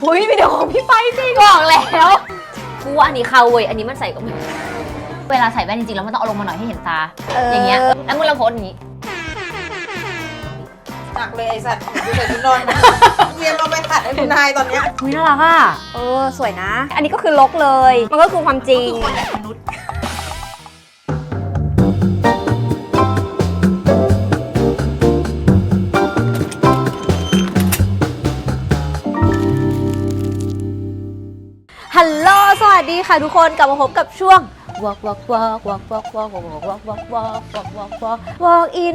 อุ้ยวิดีโอของพี่ไปสิบอกแล้วกูว่าอันนี้เข้าเว้ยอันนี้มันใส่ก็ไม่เวลาใส่แว่นจริงๆแล้วมันต้องเอาลงมาหน่อยให้เห็นตาอย่างเงี้ยแล้วมึงลองโพสอย่างนี้หนักเลยไอ้สัตว์ดูใส่ชุดนอนเตรียมเอาไปขัดให้คุณนายตอนเนี้ยน่ารักอ่ะสวยนะอันนี้ก็คือลกเลยมันก็คือความจริงคือคนแบบมนุษย์ฮัลโหลสวัสดีค่ะทุกคนกลับมาพบกับช่วง walk in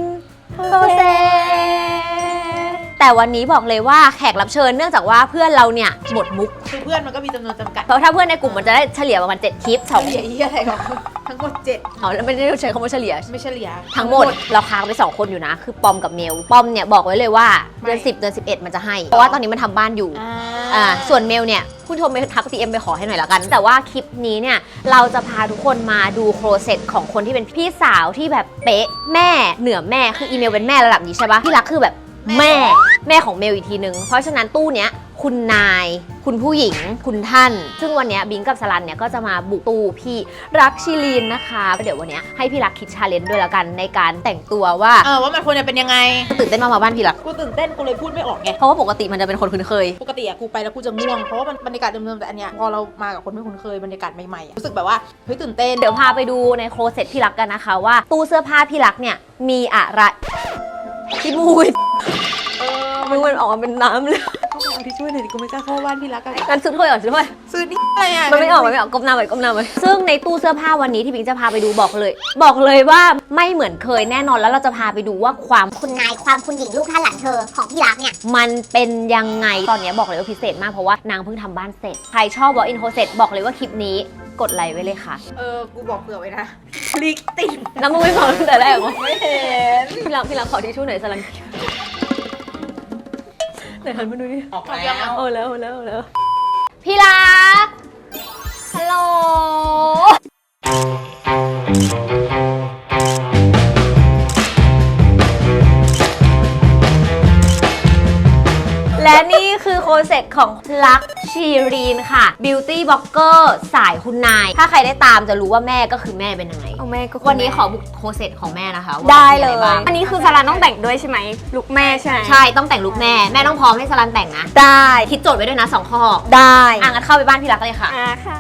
process แต่วันนี้บอกเลยว่าแขกรับเชิญเนื่องจากว่าเพื่อนเราเนี่ยหมดมุกคือเพื่อนมันก็มีจำนวนจำกัดเพราะถ้าเพื่อนในกลุ่มมันจะได้เฉลี่ยประมาณ7คลิปเฉลี่ยอะไรหรอทั้งหมด7 เอาแล้วไม่ได้ใช้คำว่าเฉลี่ยไม่เฉลี่ยทั้งหมดเราค้างไป2คนอยู่นะคือปอมกับเมลปอมเนี่ยบอกไว้เลยว่าเดือน10เดือน11มันจะให้เพราะว่าตอนนี้มันทำบ้านอยู่ส่วนเมลเนี่ยผู้ชมไปทัก DM ไปขอให้หน่อยละกันแต่ว่าคลิปนี้เนี่ยเราจะพาทุกคนมาดูโปรเซสของคนที่เป็นพี่สาวที่แบบเป๊ะแม่เหนือแม่คืออีเมลเป็นแม่ระดับนี้ใช่ปะพี่รักคือแบบแม่ของเมลอีกทีนึงเพราะฉะนั้นตู้เนี้ยคุณนายคุณผู้หญิงคุณท่านซึ่งวันนี้บิงกับสลันเนี่ยก็จะมาบุกตู้พี่รักชิลีนนะคะเดี๋ยววันนี้ให้พี่รักคิดชาเลนจ์ด้วยละกันในการแต่งตัวว่ามันควรจะเป็นยังไงตื่นเต้นมากมาบ้านพี่รักกูตื่นเต้นกูเลยพูดไม่ออกไงเพราะว่าปกติมันจะเป็นคนคุ้นเคยปกติอะกูไปแล้วกูจะง่วงเพราะว่ามันบรรยากาศเดิมๆแต่อันเนี้ยพอเรามากับคนไม่คุ้นเคยบรรยากาศใหม่ๆรู้สึกแบบว่าเฮ้ยตื่นเต้นเดี๋ยวพาไปดูในโคลเซ็ตพี่รักกันนะคะว่าตู้เสื้อผ้าพี่รักเนี่ยมีอะไรพี่มูยมันออกมาเป็นน้ำเลยเอาที่ช่วยหน่อยดิกูไม่กล้าเข้าบ้านพี่รักกันงั้นซื้อถ้วยก่อนซื้อถ้วยซื้อนี่อะไรอ่ะมันไม่ออกก้มหน้าไว้ซึ่งในตู้เสื้อผ้าวันนี้ที่พิงจะพาไปดูบอกเลยว่าไม่เหมือนเคยแน่นอนแล้วเราจะพาไปดูว่าความคุณนายความคุณหญิงลูกท่านหลานเธอของพี่รักเนี่ยมันเป็นยังไงตอนนี้บอกเลยว่าพิเศษมากเพราะว่านางเพิ่งทำบ้านเสร็จใครชอบ walk in closet บอกเลยว่าคลิปนี้กดไลค์ไว้เลยค่ะกูบอกเผื่อไว้นะคลิกติดแล้วมึงไม่ฟังตั้งแต่แรกเหรอไม่เห็นพี่รักขอทิชชู่หน่อยสลังไหนหันมาดูดิออกแล้วแล้วพี่รักฮัลโหลและนี่คือโคเซ็ตของลักชีรีนค่ะ Beauty Blogger สายคุณนายถ้าใครได้ตามจะรู้ว่าแม่ก็คือแม่เป็นยังไงแม่ก็วันนี้ขอบุกโคเซ็ตของแม่นะคะได้เลยอันนี้คือสลันต้องแต่งด้วยใช่ไหมลุคแม่ใช่ไหมใช่ต้องแต่งลุคแม่ต้องพร้อมให้สลันแต่งนะได้คิดโจทย์ไว้ด้วยนะ2ข้อได้งั้นเข้าไปบ้านพี่รักเลยค่ะค่ะ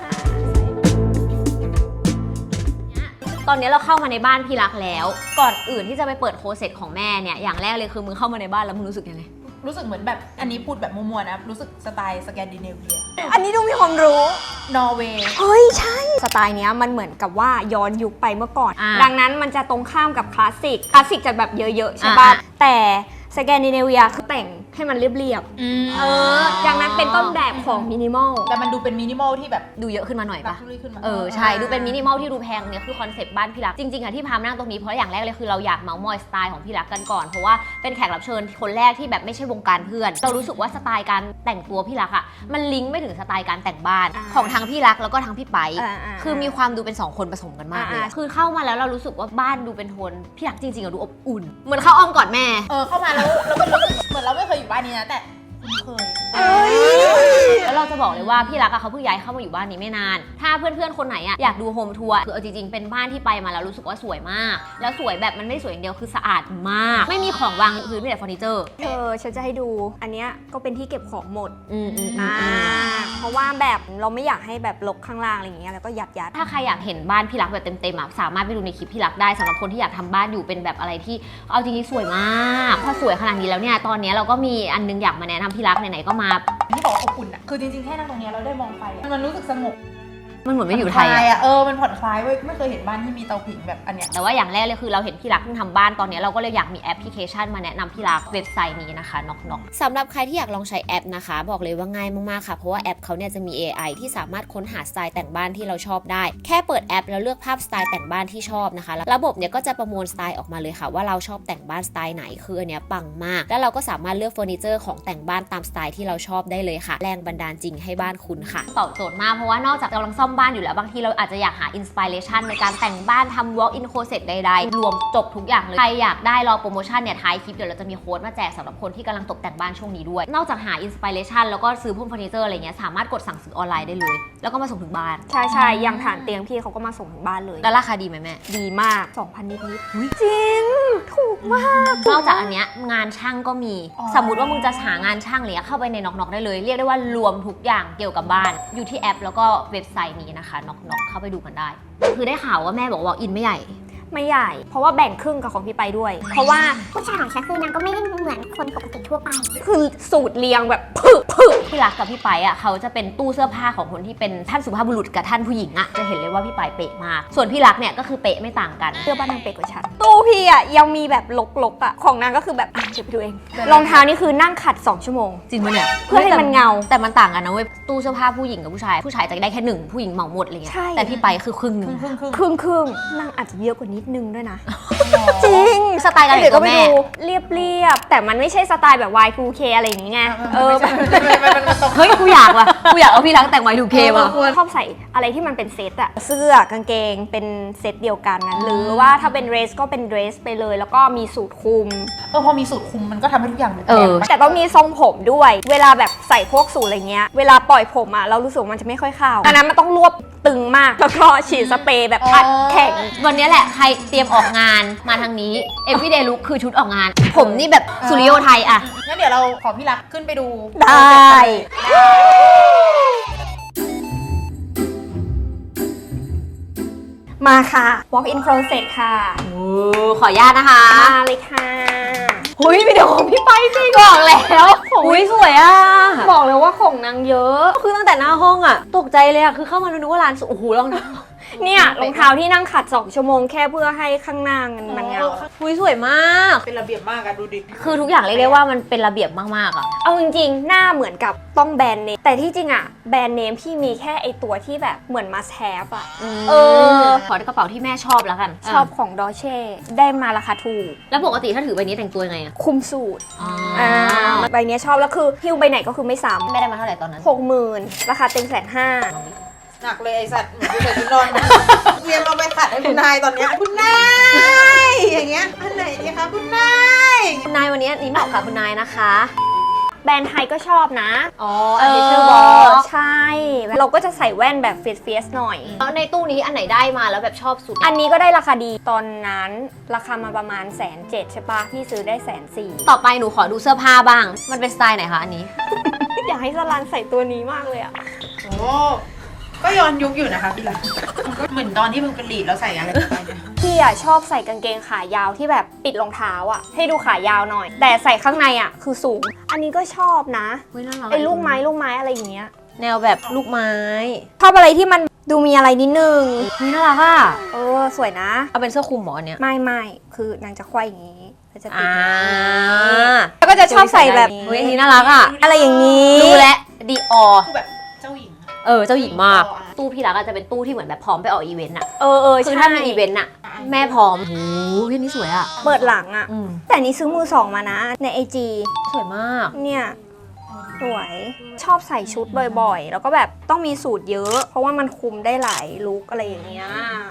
ตอนนี้เราเข้ามาในบ้านพี่รักแล้วก่อนอื่นที่จะไปเปิดโคเซ็ตของแม่เนี่ยอย่างแรกเลยคือมึงเข้ามาในบ้านแล้วมึงรู้สึกยังไงรู้สึกเหมือนแบบอันนี้พูดแบบมัวๆนะรู้สึกสไตล์สแกนดิเนเวียอันนี้ดูมีความรู้นอร์เวย์เฮ้ยใช่สไตล์เนี้ยมันเหมือนกับว่าย้อนยุคไปเมื่อก่อนดังนั้นมันจะตรงข้ามกับคลาสสิกจะแบบเยอะๆใช่ป่ะแต่สแกนดิเนเวียคือแต่งให้มันเรียบๆดังนั้นเป็นต้นแบบของมินิมอลแต่มันดูเป็นมินิมอลที่แบบดูเยอะขึ้นมาหน่อยป่ะใช่ดูเป็นมินิมอลที่ดูแพงเนี่ยคือคอนเซ็ปต์บ้านพี่รักจริงๆอะที่พามานั่งตรงนี้เพราะอย่างแรกเลยคือเราอยากเมาส์มอยสไตล์ของพี่รักกันก่อนเพราะว่าเป็นแขกรับเชิญคนแรกที่แบบไม่ใช่วงการเพื่อนเรารู้สึกว่าสไตล์การแต่งตัวพี่รักอะมันลิงก์ไม่ถึงสไตล์การแต่งบ้านของทั้งพี่รักแล้วก็ทั้งพี่ไปคือมีความดูเป็น2คนผสมกันมากเลยคือเข้ามาแล้วเรารู้สึกว่าบ้านดูเป็นโทนพี่รักจริงๆอะดูอบอุ่นเหมือนเข้าอ้อมกอดแม่เข้ามาแล้วเป็นรู้สึกเหมือนเราไม่เคยอยู่บ้านนี้นะแต่เคยแล้วเราจะบอกเลยว่าพี่รักเขาเพิ่งย้ายเข้ามาอยู่บ้านนี้ไม่นานถ้าเพื่อนๆคนไหนอยากดูโฮมทัวร์คือเอาจริงๆเป็นบ้านที่ไปมาแล้วรู้สึกว่าสวยมากแล้วสวยแบบมันไม่สวยอย่างเดียวคือสะอาดมากไม่มีของวางพื้นมีแต่เฟอร์นิเจอร์ฉันจะให้ดูอันเนี้ยก็เป็นที่เก็บของหมดเพราะว่าแบบเราไม่อยากให้แบบรกข้างล่างอะไรอย่างเงี้ยแล้วก็ยัดถ้าใครอยากเห็นบ้านพี่รักแบบเต็มๆสามารถไปดูในคลิปพี่รักได้สำหรับคนที่อยากทำบ้านอยู่เป็นแบบอะไรที่เอาจริงๆสวยมากพอสวยขนาดนี้แล้วเนี่ยตอนนี้เราก็มีอันนึงอยากมาแนะนำพี่รักไหนๆก็มาที่บอกว่าอบอุ่นอ่ะคือจริงๆแค่นั่งตรงนี้เราได้มองไฟมันรู้สึกสงบมันเหมือนไม่อยู่ไทยอ่ะมันผ่อนคลายเว้ยไม่เคยเห็นบ้านที่มีเตาผิงแบบอันเนี้ยแต่ว่าอย่างแรกเลยคือเราเห็นพี่รักเพิ่งทำบ้านตอนนี้เราก็เลยอยากมีแอปพลิเคชันมาแนะนำพี่รักเว็บไซต์นี้นะคะน็อกสำหรับใครที่อยากลองใช้แอปนะคะบอกเลยว่าง่ายมากๆค่ะเพราะว่าแอปเขาเนี่ยจะมี AI ที่สามารถค้นหาสไตล์แต่งบ้านที่เราชอบได้แค่เปิดแอปแล้วเลือกภาพสไตล์แต่งบ้านที่ชอบนะคะระบบเนี่ยก็จะประมวลสไตล์ออกมาเลยค่ะว่าเราชอบแต่งบ้านสไตล์ไหนคืออันเนี้ยปังมากแล้วเราก็สามารถเลือกเฟอร์นิเจอร์ของแต่งบ้านตามสไตล์ที่เราชอบได้เลยค่ะแรงบันดาลจริงให้บ้านคุณค่ะตอบโจทย์มากเพราะว่านอกจากกำลังซ่อมบ้านอยู่แล้วบางทีเราอาจจะอยากหาอินสปิเรชันในการแต่งบ้านทำ walk in closet ใดๆรวมจบทุกอย่างเลยใครอยากได้รอโปรโมชั่นเนี่ยท้ายคลิปเดี๋ยวเราจะมีโค้ดมาแจกสำหรับคนที่กำลังตกแต่งบ้านช่วงนี้ด้วยนอกจากหาอินสปิเรชันแล้วก็ซื้อพวกเฟอร์นิเจอร์อะไรเงี้ยสามารถกดสั่งซื้อออนไลน์ได้เลยแล้วก็มาส่งถึงบ้านใช่อย่างฐานเตียงพี่เขาก็มาส่งถึงบ้านเลยแล้วราคาดีไหมแม่ดีมาก 2,000 นิดๆจริงถูกมากนอกจากอันเนี้ยงานช่างก็มีสมมุติว่ามึงจะหางานช่างอะไรเข้าไปในน็อกได้เลยเรียกได้ว่ารวมทุกอย่างเกี่ยวกับบ้านอยู่ที่แอปแล้วก็เว็บไซต์นี้นะคะน็อกเข้าไปดูกันได้คือได้ข่าวว่าแม่บอกว่าอินไม่ใหญ่ไม่ใหญ่ เพราะว่าแบ่งครึ่งกับของพี่ไปด้วย เพราะว่าผู้ชายของฉันคือนางก็ไม่ได้เหมือนคนปกติทั่วไปคือสูตรเรียงแบบผึพี่รักกับพี่ไปอ่ะเขาจะเป็นตู้เสื้อผ้าของคนที่เป็นท่านสุภาพบุรุษกับท่านผู้หญิงอ่ะจะเห็นเลยว่าพี่ไปเป๊ะมากส่วนพี่รักเนี่ยก็คือเป๊ะไม่ต่างกันเสื้อบ้านนางเป๊ะกว่าฉันตู้พี่อ่ะยังมีแบบลกๆอ่ะของนางก็คือแบบเดี๋ยวไปดูเองรองเท้านี่คือนั่งขัด2 ชั่วโมงจริงปะเนี่ยเพื่อให้มันเงาแต่มันต่างกันนะเว้ยตู้เสื้อผ้าผู้หญิงกับผู้ชายจะได้แค่หนึ่งผู้หญิงเหมาหมดอะไรเงี้ยใช่แต่พี่ไปคือครึ่งหนึงครึ่งนางอาจจะเยอะกว่านิดนึงด้วยนะ จริงสไตล์การแต่งตัวแม่เรียบแต่มันไม่ใช่สไตล์แบบ Y2K อะไรอย่างงี้ไงแบบเฮ้ยกูอยากเอาพี่รักแต่งไว้ดูเคว่ะชอบใส่อะไรที่มันเป็นเซตอะเสื้อกางเกงเป็นเซตเดียวกันนะหรือว่าถ้าเป็นเดรสก็เป็นเดรสไปเลย แล้วก็มีสูทคลุมพอมีสูตรคุมมันก็ทำให้ทุกอย่างดูแพงแต่ต้องมีทรงผมด้วย เวลาแบบใส่พวกสูทอะไรเงี้ยเวลาปล่อยผมอะเรารู้สึกว่ามันจะไม่ค่อยเข้าดังนั้นมันต้องรวบตึงมากแล้วก็ฉีดสเปรย์แบบอัดแข็งวันนี้แหละใครเตรียมออกงานมาทางนี้ everyday look คือชุดออกงาน ผมนี่แบบสุริโยไทยอะงั้นเดี๋ยวเราขอพี่รักขึ้นไปดูได้ มาค่ะ walk in closet ค่ะขออนุญาตนะคะมาเลยค่ะหุยวิดีโอของพี่ไปจริงบอกแล้วหุยสวยอ่ะบอกเลยว่าของนางเยอะคือตั้งแต่หน้าห้องอ่ะตกใจเลยอ่ะคือเข้ามาดูนึกว่าร้านโอ้โหรองเท้าเนี่ยรองเท้าที่นั่งขัด2 ชั่วโมงแค่เพื่อให้ข้างหน้ามันเงาหุยสวยมากเป็นระเบียบมากอะดูดิคือทุกอย่างเรียกได้ว่ามันเป็นระเบียบมากๆอ่ะเอาจริงๆ หน้าเหมือนกับต้องแบรนด์เนมแต่ที่จริงอะแบรนด์เนมพี่มีแค่ไอตัวที่แบบเหมือน must have อะขอกระเป๋าที่แม่ชอบแล้วกันชอบของดอเช่ได้มาราคาถูกแล้วปกติถ้าถือใบนี้แต่งตัวยังไงอ่ะคุมสูตรใบเนี้ยชอบแล้วคือหิ้วใบไหนก็คือไม่ซ้แม่ได้มาเท่าไหร่ตอนนั้น 60,000 ราคาเต็ม150,000 หนักเลยไอสัตว์เหมือนกูใส่ชุดนอนเตรียมเอาไปขัดให้คุณนายตอนเนี้ยคุณนายอย่างเงี้ยอันไหนดีคะคุณนายคุณนายวันนี้นี่เหมาะกับคุณนายนะคะแบรนด์ไทยก็ชอบนะอ๋ออันนี้ชื่อบอสใช่ เราก็จะใส่แว่นแบบเฟียสหน่อยแล้วในตู้นี้อันไหนได้มาแล้วแบบชอบสุดอันนี้ก็ได้ราคาดีตอนนั้นราคามาประมาณ170,000ใช่ปะพี่ซื้อได้140,000 ต่อไปหนูขอดูเสื้อผ้าบ้าง มันเป็นสไตล์ไหนคะอันนี้อยากให้สลันใส่ตัวนี้มากเลยอะโอ้ก็ย้อนยุคอยู่นะคะพี่รักเหมือนตอนที่มึงเป็นลีดแล้วใส่อะไรไปเนี่ยพี่อะชอบใส่กางเกงขายาวที่แบบปิดรองเท้าอะให้ดูขายาวหน่อย แต่ใส่ข้างในอะคือสูง อันนี้ก็ชอบนะเฮ้ยน่ารักไอ้ลูกไม้อะไรอย่างเงี้ยแนวแบบลูกไม้ชอบอะไรที่มันดูมีอะไรนิดนึงเฮ้ยน่ารักอ่ะสวยนะเอาเป็นเสื้อคลุมหมอเนี่ยไม่คือนางจะควายอย่างนี้แล้วจะติดอ่าแล้วก็จะชอบใส่แบบเฮ้ยอันนี้น่ารักอ่ะอะไรอย่างนี้ดูแลดีออคือแบบเจ้าหญิงอะเจ้าหญิงมาก ตู้พี่รักอะจะเป็นตู้ที่เหมือนแบบพร้อมไปออกอีเวนต์อะใช่คือถ้ามีอีเวนต์อะแม่พร้อมโอ้โหพี่นี่สวยอะเปิดหลังอะอืมแต่นี้ซื้อมือสองมานะใน IG สวยมากเนี่ยสวยชอบใส่ชุดบ่อยๆ แล้วก็แบบต้องมีสูตรเยอะ เพราะว่ามันคุมได้หลายลุคอะไรอย่างเงี้ย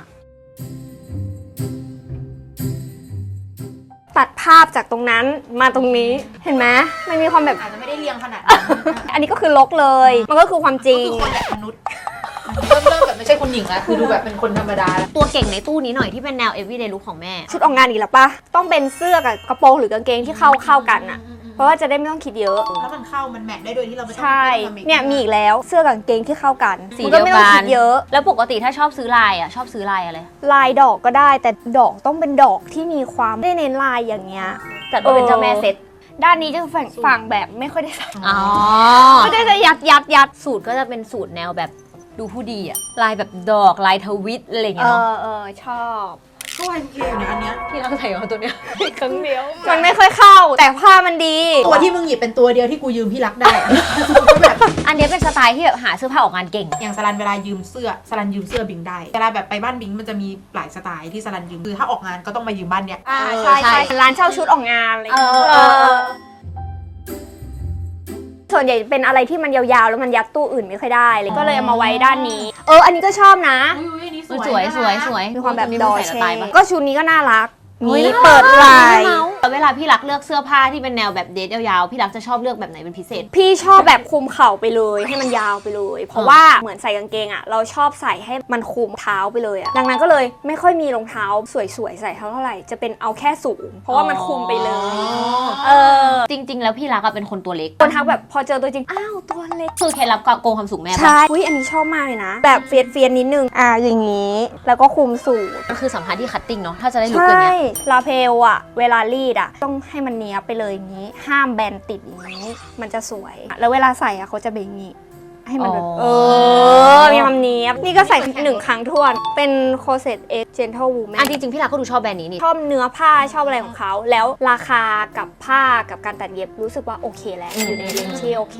ตัดภาพจากตรงนั้นมาตรงนี้เห็นไหมมันมีความแบบอาจจะไม่ได้เรียงขนาดนั้นอันนี้ก็คือลกเลย มันก็คือความจริงคือคนแบบมนุษย์เริ่มแบบไม่ใช่คนหญิงแล้วคือดูแบบเป็นคนธรรมดาแล้วตัวเก่งในตู้นี้หน่อยที่เป็นแนว everyday look ของแม่ชุดออกงานอีกแล้วปะต้องเป็นเสื้อกับกระโปรงหรือกางเกงที่เข้ากันอะเพราะว่าจะได้ไม่ต้องคิดเยอะแล้วมันเข้ามันแมทได้โดยที่เราไม่ต้องใช่ทำอีกเนี่ยมีอีกแล้วเสื้อกับกางเกงที่เข้ากันสีมันเดีก็ยวไม่ต้อกังนคิดเยอะแล้วปกติถ้าชอบซื้อลายอะชอบซื้อลายอะไรลายดอกก็ได้แต่ดอกต้องเป็นดอกที่มีความไม่ได้เน้นลายอย่างเงี้ยจัดว่าเป็นเจ้าแม่เซ็ตด้านนี้จะฝั่งแบบไม่ค่อยได้ใส่อ๋อไม่ได้จะยัดสูตรก็จะเป็นสูตรแนวแบบดูผู้ดีอะลายแบบดอกลายทวิตอะไรอย่างเงี้ยเนาะชอบก็วายเคอยู่เนี่ยอันเนี้ยพี่รักใส่มาตัวเนี้ยครั้งเดียวมันไม่ค่อยเข้าแต่ผ้ามันดีตัวที่มึงหยิบเป็นตัวเดียวที่กูยืมพี่รักได้ ก็แบบอันเนี้ยเป็นสไตล์ที่แบบหาเสื้อผ้าออกงานเก่งอย่างสลันเวลายืมเสื้อสลันยืมเสื้อบิงได้เวลาแบบไปบ้านบิงมันจะมีหลายสไตล์ที่สลันยืมคือถ้าออกงานก็ต้องมายืมบ้านเนี้ยใช่ร้านเช่าชุดออกงานอะไรอย่างเงี้ยส่วนใหญ่เป็นอะไรที่มันยาวๆแล้วมันยัดตู้อื่นไม่ค่อยได้เลยก็เลยเอามาไว้ด้านนี้อันนี้ก็ชอบนะอุ้ยอันนี้สสววย ยสวยสวยมีความแบบนี้ดอใส่เช่สไตล์ปะก็ชุดนี้ก็น่ารักเฮ้ยนี่น่ารักเปิดไหล่แต่เวลาพี่รักเลือกเสื้อผ้าที่เป็นแนวแบบเดทยาวๆพี่รักจะชอบเลือกแบบไหนเป็นพิเศษพี่ชอบแบบคลุมเข่าไปเลยให้มันยาวไปเลย เพราะว่าเหมือนใส่กางเกงอ่ะเราชอบใส่ให้มันคลุมเท้าไปเลยอ่ะดังนั้นก็เลยไม่ค่อยมีรองเท้าสวยๆใส่เท่าไหร่จะเป็นเอาแค่สูง เพราะว่ามันคลุมไปเลยจริง ๆ แล้วพี่รักอะเป็นคนตัวเล็กคนทักแบบพอเจอตัวจริงอ้าวตัวเล็กคือเคล็ดลับโกงความสูงแม่ปะใช่อุ้ยอันนี้ชอบมากเลยนะ แบบเฟียนนิดนึงอย่างนี้ แล้วก็คลุมสูงมันคือสัมพันธ์ที่คัตติ้งเนาะถ้าจะได้ลุกใช่อย่างเงี้ยลาเพลอ่ะเวลารีดอ่ะต้องให้มันเนี้ยบไปเลยอย่างนี้ ห้ามแบนติดอย่างนี้ มันจะสวย แล้วเวลาใส่อ่ะเขาจะเป็นอย่างนี้ ให้มันแบบมีความเนี้ยบนี่ก็ใส่1 ครั้งท้วนเป็นโคเซตเอ็กเจนทัลวูแมอันนจริงๆพี่รักก็ดูชอบแบรนด์นี้นี่ชอบเนื้อผ้าชอบอะไรของเขาแล้วราคากับผ้ากับการตัดเย็บรู้สึกว่าโอเคแล้วอยู่ในเรนจ์ที่โอเค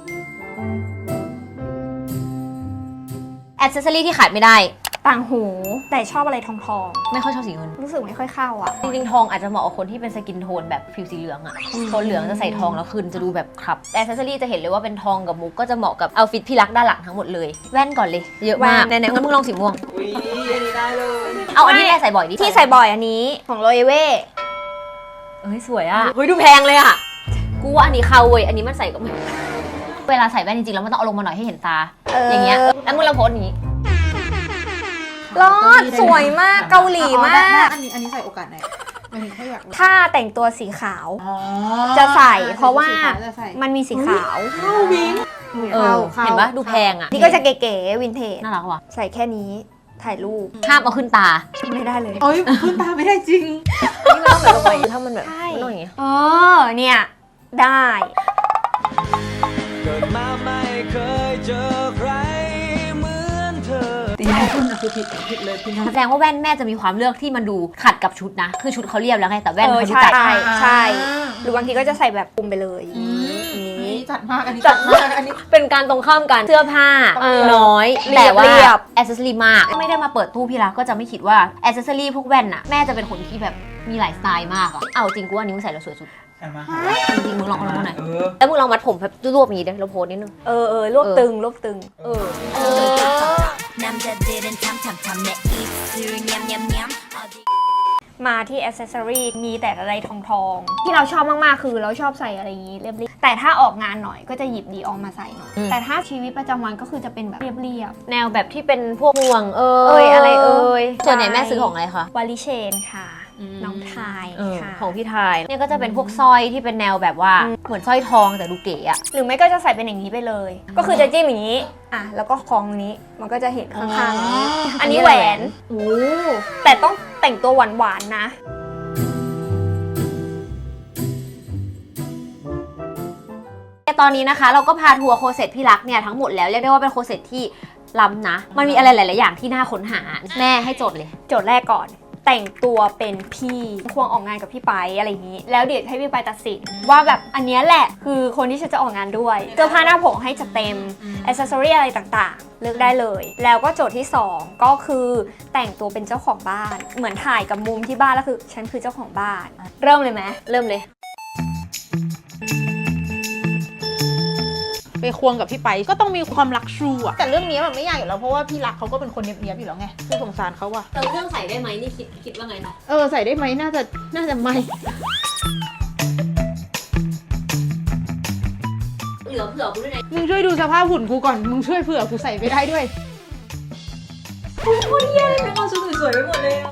แอ c เซสซอรี่ที่ขาดไม่ได้ต่างหูแต่ชอบอะไรทองไม่ค่อยชอบสีเงินรู้สึกไม่ค่อยเข้าอ่ะจริงๆทองอาจจะเหมาะกับคนที่เป็นสกินโทนแบบผิวสีเหลืองอะโทนเหลืองจะใส่ทองแล้วคืนจะดูแบบครับแต่แอ c เซสซอรี่จะเห็นเลยว่าเป็นทองกับมุกก็จะเหมาะกับเอาฟิตพี่รักด้านหลังทั้งหมดเลยแว่นก่อนเลยเยอะมากแว่นไหนๆงั้นมึงลองสีม่วงอุ้ยอันนี้ได้เลยเอาอันนี้แม่ใส่บ่อยดิที่ใส่บ่อยอันนี้ของโรเอเว่เฮ้ยสวยอะเฮ้ยดูแพงเลยอะกูว่าอันนี้เข้าเว้ยอันนี้มันใส่ก็ไม่เวลาใส่แว่นจริงๆแล้วมันต้องเอาลงมาหน่อยให้เห็นตาอย่างเงี้ยแล้วมึงลองโพสอย่างงี้รอดสวยมากเกาหลีมากอันนี้ใส่โอกาสไหนมันแค่อยากรู้ถ้าแต่งตัวสีขาวอ๋อจะใส่เพราะว่าจะใส่มันมีสีขาวเข้าวิงเห็นปะดูแพงอะนี่ก็จะเก๋ๆวินเทจน่ารักว่ะใส่แค่นี้ถ่ายรูปห้ามเอาขึ้นตาไม่ได้เลยโอ้ยขึ้นตาไม่ได้จริงนี่มันต้องแบบลงไปถ้ามันแบบใช่มันต้องอย่างงี้เนี่ยได้เกิดมาไม่เคยเจอใครเหมือนเธอตีให้ขึ้นนะคือผิดเลยพี่นะแสดงว่าแว่นแม่จะมีความเลือกที่มันดูขัดกับชุดนะ คือชุดเขาเรียบแล้วไงแต่แว่นเขาดูใช่จัดใช่หรือบางทีก็จะใส่แบบคุมไปเลยอันนี้นี้จัดมากอันนี้จัจัดดมามาก กอันนี้เป็นการตรงข้ามกันเสื้อผ้า น้อยเรียบแต่ว่าเรียบแอ c เซสซอรี่มากไม่ได้มาเปิดตู้พี่รักก็จะไม่คิดว่าแอ c เซสซอรี่พวกแว่นน่ะแม่จะเป็นคนที่แบบมีหลายสไตล์มากอะเอาจริงกูว่านิ้วใส่แล้วสวยสุดใช่ไหมจริงๆมึงลองเอาลงมาหน่อยเออแล้วมึงลองมัดผมแบบรวบๆอย่างนี้ด้วยเราโพสนิดนึงรวบตึงรวบตึง มาที่อ c เซสซอรี่มีแต่อะไรทองที่เราชอบมากๆคือเราชอบใส่อะไรอย่างนี้เรียบๆแต่ถ้าออกงานหน่อยก็จะหยิบดีออกมาใส่หน่อยแต่ถ้าชีวิตประจำวันก็คือจะเป็นแบบเรียบแนวแบบที่เป็นพวกห่วงอะไรส่วนใหญ่แม่ซื้อของอะไรคะๆวาลิเชนค่ะ น้องทายค่ะของพี่ทายเนี่ยก็จะเป็นพวกสร้อยที่เป็นแนวแบบว่าเหมือนสร้อยทองแต่ดูเก๋อะหรือไม่ก็จะใส่เป็นอย่างนี้ไปเลย ก็คือจะจิ้มอย่างนี้แล้วก็คล้องนี้มันก็จะเห็นข้างๆนี้อันนี้แหวนแต่ต้องแต่งตัวหวานๆนะตอนนี้นะคะเราก็พาทัวร์โคเซ็ตพี่รักเนี่ยทั้งหมดแล้วเรียกได้ว่าเป็นโคเซ็ตที่ล้ำนะมันมีอะไรหลาย ๆ อย่างที่น่าค้นหาแม่ให้โจทย์เลยโจทย์แรกก่อนแต่งตัวเป็นพี่ควงออกงานกับพี่ไปอะไรอย่างนี้ แล้วเดี๋ยวให้พี่ไปตัดสินว่าแบบอันเนี้ยแหละคือคนที่ฉันจะออกงานด้วยเสื้อผ้าหน้าผมให้จะเต็มอิสซอรี่อะไรต่างๆเลือกได้เลย แล้วก็โจทย์ที่ 2 ก็คือแต่งตัวเป็นเจ้าของบ้านเหมือนถ่ายกับมุมที่บ้านแล้วคือฉันคือเจ้าของบ้านเริ่มเลยไหมเริ่มเลยไปควงกับพี่ไปก็ต้องมีความรักชูอะแต่เรื่องนี้มันไม่ยากอยู่แล้วเพราะว่าพี่รักเขาก็เป็นคนเนียบๆอยู่แล้วไงคือสงสารเขาอะแต่เรื่องใส่ได้ไหมนี่คิดว่าไงนะใส่ได้ไหมน่าจะไม่เหลือเผื่อกูด้วยนะมึงช่วยดูสภาพหุ่นกูก่อนมึงช่วยเผื่อกูใส่ไปได้ด้วยเป็นความสวยๆไปหมดเลย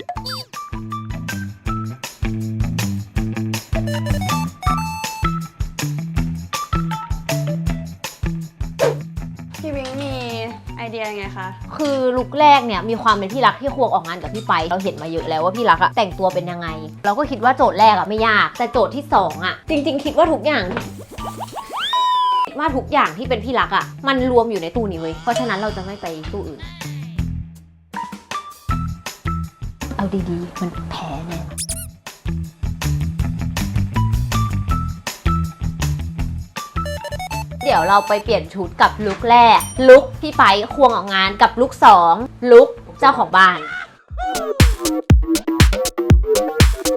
พี่วิงมีไอเดียไงคะคือลุคแรกเนี่ยมีความเป็นพี่รักที่ควงออกงานกับพี่ไปเราเห็นมาเยอะแล้วว่าพี่รักอะแต่งตัวเป็นยังไง เราก็คิดว่าโจทย์แรกอะไม่ยากแต่โจทย์ที่2อะจริง ๆ คิดว่าทุกอย่างที่เป็นพี่รักอะมันรวมอยู่ในตู้นี้เว้ยเพราะฉะนั้นเราจะไม่ไปตู้อื่น เอาดีๆมันแพ้แน่เดี๋ยวเราไปเปลี่ยนชุดกับลุคแรกลุคพี่ไปควงออกงานกับลุค2ลุคเจ้า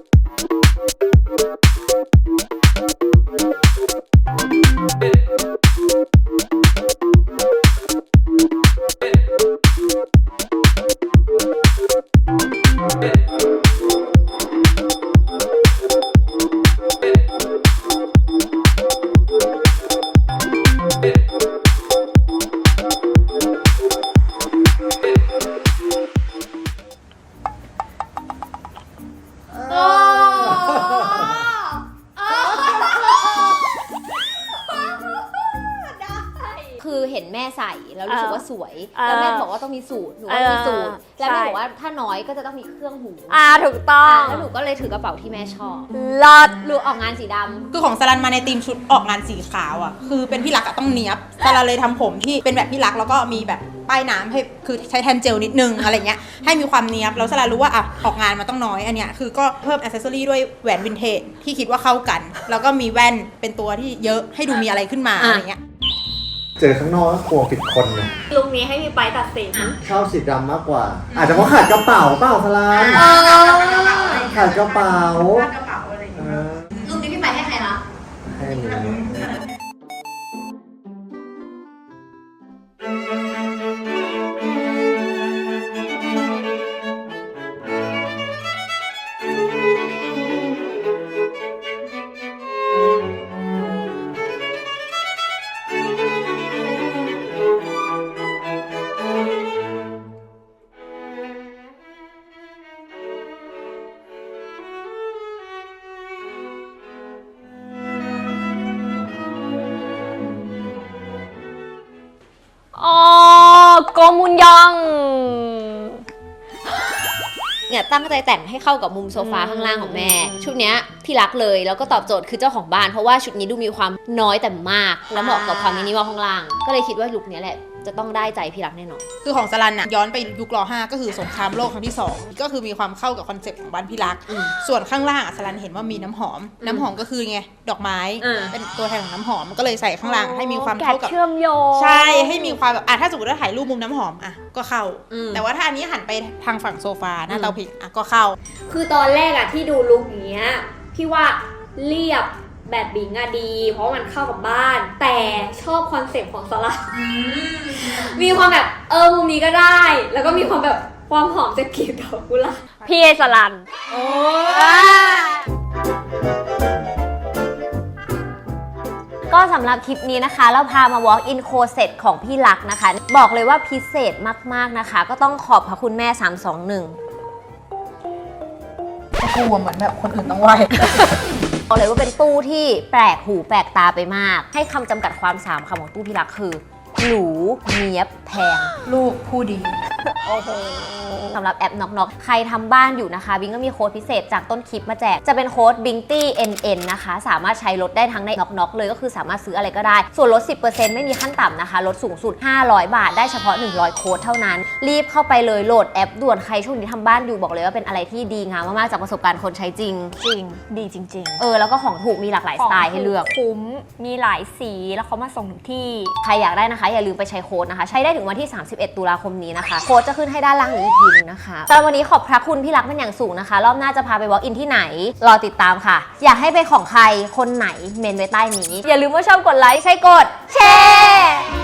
ของบ้านเห็นแม่ใส่แล้วรู้สึกว่าสวยเออแล้วแม่บอกว่าต้องมีสูตรหนูว่ามีสูตร แล้วแม่บอกว่าถ้าน้อยก็จะต้องมีเครื่องหูถูกต้องแล้วหนูก็เลยถือกระเป๋าที่แม่ชอบลอดลูกออกงานสีดำคือของสลันมาในธีมชุดออกงานสีขาวอ่ะคือเป็นพี่รักอะต้องเนี้ยบสลันเลยทำผมที่เป็นแบบพี่รักแล้วก็มีแบบป้ายน้ำให้คือใช้แทนเจลนิดนึงอะไรเงี้ยให้มีความเนี้ยบแล้วสลันรู้ว่าอ่ะออกงานมันต้องน้อยอันเนี้ยคือก็เพิ่มอ c เซสซอรี่ด้วยแหวนวินเทจที่คิดว่าเข้ากัน แล้วก็มีแว่นเป็นตัวที่เยอะให้ดูมีอะไรขึ้นมาอะไรเงี้ยเจอข้างนอกก็กลัวผิดคนไงลุงนี้ให้มีไปตัดสินชอบสีดำมากกว่า อาจจะเพราะขาดกระเป๋าเปล่าพลานขาดกระเป๋าเออรูปนี้พี่ไปให้ใครคะให้หนูอ๋อโกมุนยองเนี่ยตั้งใจแต่งให้เข้ากับมุมโซฟาข้างล่างของแม่ ชุดเนี้ยพี่รักเลยแล้วก็ตอบโจทย์คือเจ้าของบ้านเพราะว่าชุดนี้ดูมีความน้อยแต่มาก แล้วเหมาะกับความมินิมอลข้างล่าง ก็เลยคิดว่าลุคเนี้ยแหละจะต้องได้ใจพี่รักแน่นอนคือของสลันน่ะย้อนไปยุคร.5 ก็คือสงครามโลกครั้งที่ 2 ก็คือมีความเข้ากับคอนเซ็ปต์ของบ้านพี่รัก ส่วนข้างล่างอ่ะสลันเห็นว่ามีน้ำหอม น้ำหอมก็คือไงดอกไม้ เป็นตัวแทนของน้ำหอมก็เลยใส่ข้างล่างให้มีความเข้ากับเชื่อมโยงใช่ให้มีความแบบถ้าสมมติว่าถ่ายรูปมุมน้ำหอมก็เข้าอืมแต่ว่าถ้าอันนี้หันไปทางฝั่งโซฟาหน้าเตาผิงก็เข้าคือตอนแรกอะที่ดูลุคอย่างเงี้ยพี่ว่าเรียบแบบบิงอะดี เพราะมันเข้ากับบ้าน แต่ชอบคอนเซ็ปต์ของสลัดมีความแบบมุมนี้ก็ได้ แล้วก็มีความแบบความหอมจากกลีบดอกกุหลาบพี่เอสลันก็สำหรับคลิปนี้นะคะเราพามา walk in closet ของพี่รักนะคะ บอกเลยว่าพิเศษมากๆนะคะ ก็ต้องขอบพระคุณแม่ 321 กลัวเหมือนแบบคนอื่นต้องไหวบอกเลยว่าเป็นตู้ที่แปลกหูแปลกตาไปมาก ให้คำจำกัดความ3คำของตู้พี่รักคือหรูเนียบแพงลูกผู้ดีสำหรับแอปน็อกน็อกใครทำบ้านอยู่นะคะบิงก็มีโค้ดพิเศษจากต้นคลิปมาแจก จะเป็นโค้ด BINGTYNN นะคะสามารถใช้ลดได้ทั้งในน็อกน็อกเลยก็คือสามารถซื้ออะไรก็ได้ ส่วนลด 10% ไม่มีขั้นต่ำนะคะลดสูงสุด500 บาทได้เฉพาะ100โค้ดเท่านั้น รีบเข้าไปเลยโหลดแอปด่วนใครช่วงนี้ทำบ้านอยู่บอกเลยว่าเป็นอะไรที่ดีงามมากๆจากประสบการณ์คนใช้จริงจริงดีจริงแล้วก็ของถูกมีหลากหลายสไตล์ให้เลือกคุ้มมีหลายสีแล้วเขามาส่งถึงที่ใครอยากได้นะคะอย่าลืมไปใช้โค้ดนะคะใช้ได้ถึงวันที่31 ตุลาคมนี้นะคะโค้ดจะขึ้นให้ด้านล่างนี้อีกทีนึงนะคะสำหรับวันนี้ขอบพระคุณพี่รักเป็นอย่างสูงนะคะรอบหน้าจะพาไป walk in ที่ไหนรอติดตามค่ะ อยากให้เป็นของใครคนไหนเมนไว้ใต้นี้ อย่าลืมว่าชอบกดไลค์ใช่กดแชร์